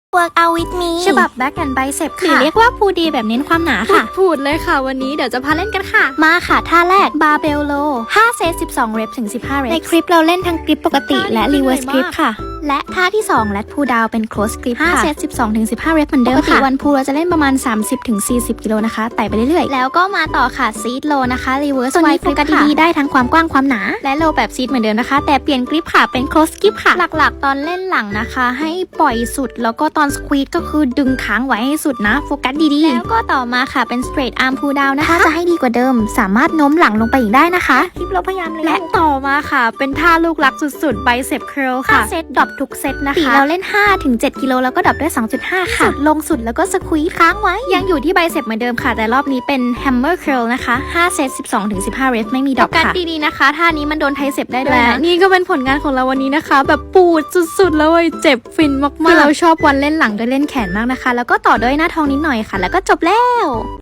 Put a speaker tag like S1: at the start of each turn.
S1: Work out with me ฉบับ back and bicep
S2: หรือ
S1: ค่ะ
S2: เรียกว่าพูดีแบบเน้นความหนาค่ะ
S1: พูดเลยค่ะวันนี้เดี๋ยวจะพาเล่นกันค่ะ
S2: มาค่ะท่าแรก
S1: barbell row 5 เซต 12 เรปถึง 15 เรป
S2: ในคลิปเราเล่นทั้งกริปปกติและ reverse grip ค่ะ
S1: และท่าที่ 2 lat pull down เป็น close grip
S2: 5
S1: 5 เซต 12 ถึง 15 เรปเหมือนเดิม
S2: ปกติ
S1: ค่ะ
S2: วันพูเราจะเล่นประมาณ 30 ถึง 40 กิโลนะคะไต่ไปเรื่อยๆ
S1: แล้วก็มาต่อค่ะ seat row นะคะ reverse
S2: ส่วนนี้
S1: wide
S2: โฟ
S1: grip
S2: กัส
S1: ค่ะ
S2: ดีๆได้ทั้งความกว้างความหนา
S1: และ low แบบ seat เหมือนเดิมนะคะ แต่เปลี่ยนกริปค่ะเป็น close grip ค่ะ หลักๆ ตอนเล่นหลังนะคะ ให้ปล่อยสุดแล้วก็ตอน squeeze ก็คือดึงค้างไว้ให้สุดนะโฟกัสดีๆแล้วก็ต่อมาค่ะเป็น straight arm pull down นะคะ
S2: ถ้าจะให้ดีกว่าเดิมสามารถโน้มหลังลงไปอีกได้นะคะ
S1: คลิปเราพยายามเลยและต่อมาค่ะเป็นท่าลูกรักสุดๆ bicep curl ค่ะเซตดรอปทุกเซตนะ
S2: ปี
S1: คะ
S2: เราเล่น 5-7 กิโลแล้วก็ดรอปด้วย 2.5 ค่ะ
S1: สุดลงสุดแล้วก็สควีค้างไว้ยังอยู่ที่ไบเซปเหมือนเดิมค่ะแต่รอบนี้เป็น hammer curl นะคะ5 เซต 12 ถึง 15 เรปไม่มีดรอปค่ะดีๆนะคะท่านี้มันโดนไทเซปได้ด้วย
S2: และ
S1: นะนี่ก็เป็นผลงานของเราวันนี้นะคะ แบบปูดสุดๆแล้วเจ็บฟินมากๆ
S2: คือเราชอบวันเล่นหลังด้วยเล่นแขนมากนะคะ แล้วก็ต่อด้วยหน้าท้องนิดหน่อยค่ะ แล้วก็จบแล้ว